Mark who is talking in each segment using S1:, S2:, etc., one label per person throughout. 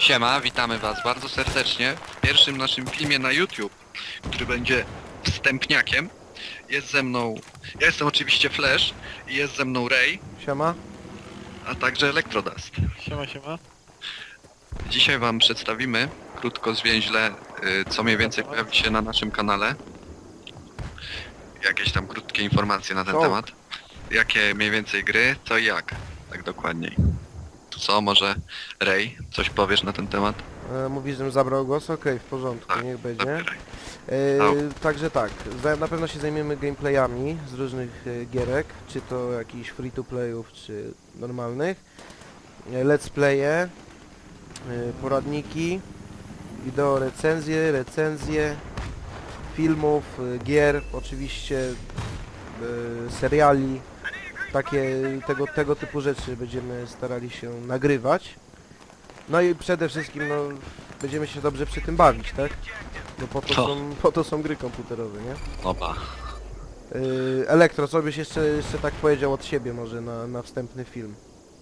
S1: Siema, witamy was bardzo serdecznie w pierwszym naszym filmie na YouTube, który będzie wstępniakiem. Jest ze mną, ja jestem oczywiście Flash i jest ze mną Ray,
S2: Siema.
S1: a także Electrodust.
S3: Siema, siema.
S1: Dzisiaj wam przedstawimy, krótko zwięźle, co mniej więcej pojawi się na naszym kanale. Jakieś tam krótkie informacje na ten temat. Jakie mniej więcej gry, co i jak, tak dokładniej. To co, może Ray, coś powiesz na ten temat?
S2: Mówisz, żebym zabrał głos? Okej, w porządku,
S1: Tak,
S2: niech będzie.
S1: zabieraj.
S2: Także tak, na pewno się zajmiemy gameplayami z różnych gierek, czy to jakichś free-to-playów, czy normalnych. Let's playe, poradniki, wideo recenzje filmów, gier, oczywiście seriali. Tego typu rzeczy będziemy starali się nagrywać. No i przede wszystkim no, będziemy się dobrze przy tym bawić, tak? No po to są gry komputerowe, nie?
S1: Oba.
S2: Elektro, co byś jeszcze tak powiedział od siebie może na wstępny film?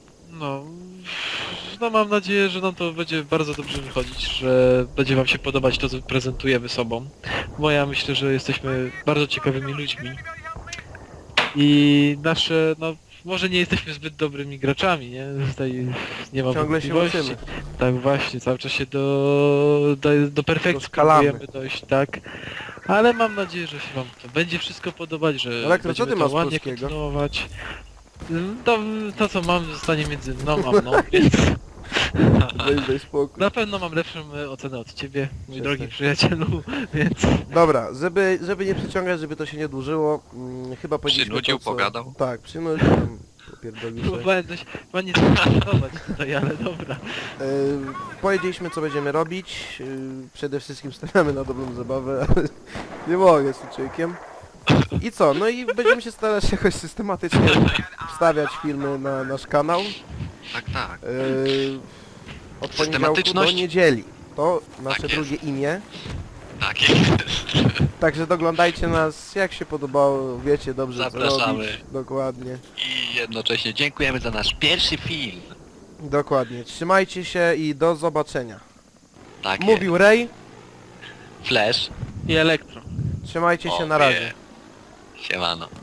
S3: No mam nadzieję, że nam to będzie bardzo dobrze wychodzić, że będzie wam się podobać to, co prezentujemy sobą. Bo ja myślę, że jesteśmy bardzo ciekawymi ludźmi. I nasze, no może nie jesteśmy zbyt dobrymi graczami, nie? Tutaj nie mam
S2: Ciągle się
S3: wątpliwości.
S2: uczymy.
S3: Tak właśnie, cały czas się do perfekcji
S2: Doskalamy.
S3: próbujemy dojść, tak. Ale mam nadzieję, że się wam to będzie wszystko podobać, że
S2: Elektro, co
S3: będziemy
S2: ty
S3: to
S2: masz
S3: ładnie
S2: polskiego?
S3: kontynuować. To co mam zostanie między mną a mną, więc
S2: Daj spokój.
S3: na pewno mam lepszą ocenę od ciebie, mój
S2: Przestań.
S3: drogi przyjacielu, więc
S2: Dobra, żeby nie przyciągać, żeby to się nie dłużyło, chyba powiedzieliśmy
S1: Przynudził,
S2: to, co...
S1: pogadał.
S2: Tak, przynudził, tam popierdolił sobie.
S3: próbowałem coś chyba nie zdecydować tutaj, ale dobra.
S2: Powiedzieliśmy co będziemy robić, przede wszystkim stawiamy na dobrą zabawę, ale nie mogę z tym człowiekiem. I co? No i będziemy się starać jakoś systematycznie wstawiać filmy na nasz kanał.
S1: Tak, tak.
S2: Od poniedziałku do
S1: Systematyczność?
S2: niedzieli. To nasze
S1: Tak jest.
S2: drugie imię.
S1: Tak jest.
S2: Także doglądajcie nas jak się podobało, wiecie dobrze co
S1: Zapraszamy.
S2: robić. Dokładnie.
S1: I jednocześnie dziękujemy za nasz pierwszy film.
S2: Dokładnie. Trzymajcie się i do zobaczenia.
S1: Tak
S2: Mówił Ray,
S1: jest. Flash.
S3: I elektro.
S2: trzymajcie się,
S1: O,
S2: na razie.
S1: nie. Siemano.